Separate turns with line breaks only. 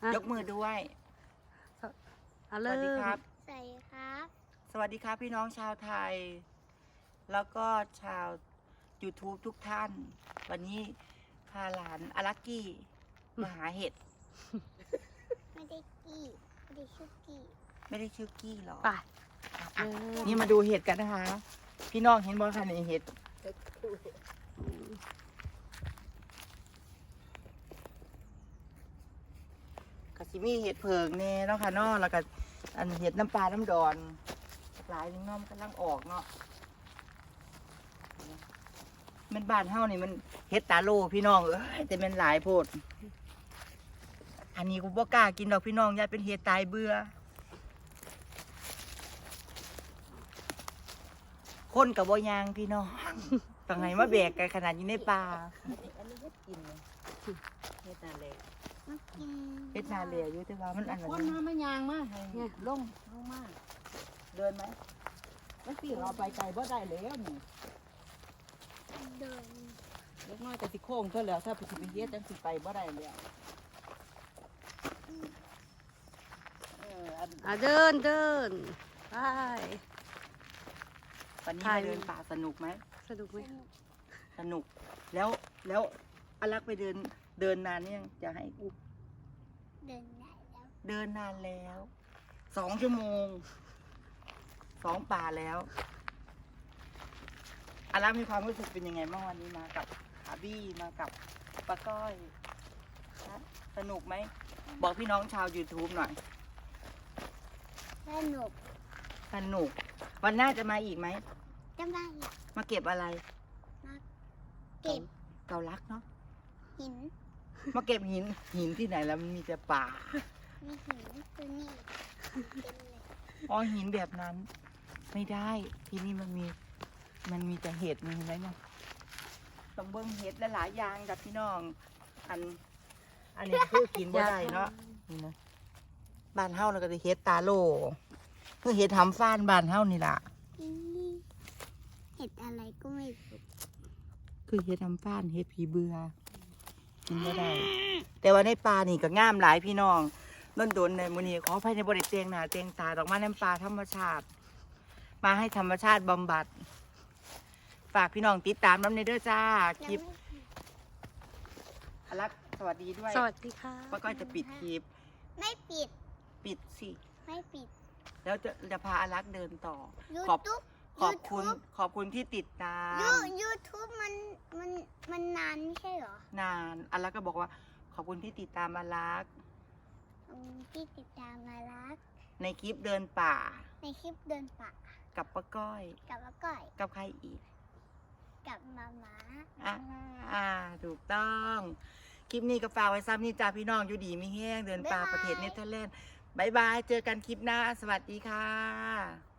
ยกมือด้วย
เอา
ส
เล
วัสดี
ย
ครับ
ใส่ครับ
สวัสดีครับพี่น้องชาวไทย แล้วก็ชาว YouTube ทุกท่าน วันนี้พาหลานอารักกี้มาหาเห็ด
ไม่ได้กี้ไม่ได้ชุกกี้
ไม่ได้ชื่อกี้หรอ
ไป
อ่ะนี่มาดูเห็ดกันนะคะ พี่น้องเห็นบ่คะในเห็ดกะสิมีเห็ดเผิงแน่เนาะค่ะเนาะแล้วก็อันเห็ดน้ำปลาน้ำดอนหลายนึงเนาะมันกำลังออกเนาะมันบ้านเฮานี่มันเห็ดตาโลพี่น้องเอ้ยแต่มันหลายโพดอันนี้กูบ่กล้ากินดอกพี่น้องยายเป็นเห็ดตายเบื่อคนกับบ่ยางพี่น้องต่างไหนมาแบกกันขนาดอยู่ในป่า
อันนี้เฮ็ดกินเลยเฮ็ดนาเลย
มากิน
เฮ็ดนาเลียอยู่แต่ว่ามันอันนั้
คน
น
มาไม่ยางมาให้
เนี่ย
ลงมา
เดินไหม
แล้วพี่เราไปไกลบ่ได้แล้วนี่
เดิน
เล็กน้อยแต่สิโค้งเท่าแล้วถ้าไปสิไปเฮ็ดจังสิไปบ่ได้แล้วอัน
เดินไป
วันนี้
ถ่าย
มาเดินป่าสนุกไหม
สนุกไหม
สนุกแล้วอลักไปเดินนานเนี่ยงจะให้อุ้ม
เดินได้แล้ว
เดินนานแล้ว2 ชั่วโมง2 ป่าแล้วอลักมีความรู้สึกเป็นยังไงบ้างวันนี้มากับอาบี้มากับป้าก้อยนะสนุกไหมบอกพี่น้องชาว YouTube หน่อย
สนุก
สนุกวันหน้าจะมาอีกไหม
จะมาอีก
มาเก็บอะไร
เก็บ
เกาลักเนาะ
หิน
มาเก็บหินที่ไหนแล้วมันมีแต่ป่า
มีหินตัวนี้เต็มเลย
อ๋อหินแบบนั้น ไม่ได้ที่นี่มันมีแต่เห็ดมีอะไรเนี่ยต้องเบิ้งเห็ดหลายๆอย่างกับพี่น้อง อันนี้คือกินบ่ได้เนาะนี่นะบ้านเฮาเราก็จะเห็ดตาโลคือเห็ดทำฟ้านบ้านเฮานี่ล่ะ
อีเห็ดอะไรก็ไม่รู้
คือเห็ดทำฟ้านเห็ดผีเบื่อกินบ่ได้ แต่ว่าในป่านี่ก็งามหลายพี่น้องโดนในมื้อนี้ขออภัยในบ่ได้เตียงหน้าเตียงตาดอกไม้น้ำปลาธรรมชาติ มาให้ธรรมชาติบำบัด ฝากพี่น้องติดตามน้ำในเด้อจ้าคลิปอลักสวัสดีด้วย
สวัสดีค่ะ
ป้าก้อยจะปิดคลิป
ไม่ปิด
ปิดสิ
ไม่ปิด
แล้วจะพาอลักเดินต่อ
ยู
ขอบ
ทูบ
ขอบคุณที่ติดตาม
ยูทูบมันนานไม่ใช่เหรอน
านอลักก็บอกว่า ขอบคุณที่ติดตามอลัก
ที่ติดตามมารัก
ในคลิปเดินป่า
ในคลิปเดินป่า
กับป้าก้อย
กับอาก้อย
กับใครอีก
กับมาม้า
ถูกต้อง คลิปนี้ก็ฝากไว้ซ้ำนี่จ้าพี่น้องอยู่ดีไม่แห้งเดินป่าประเทศเนเธอร์แลนด์บายบาย เจอกันคลิปหน้า สวัสดีค่ะ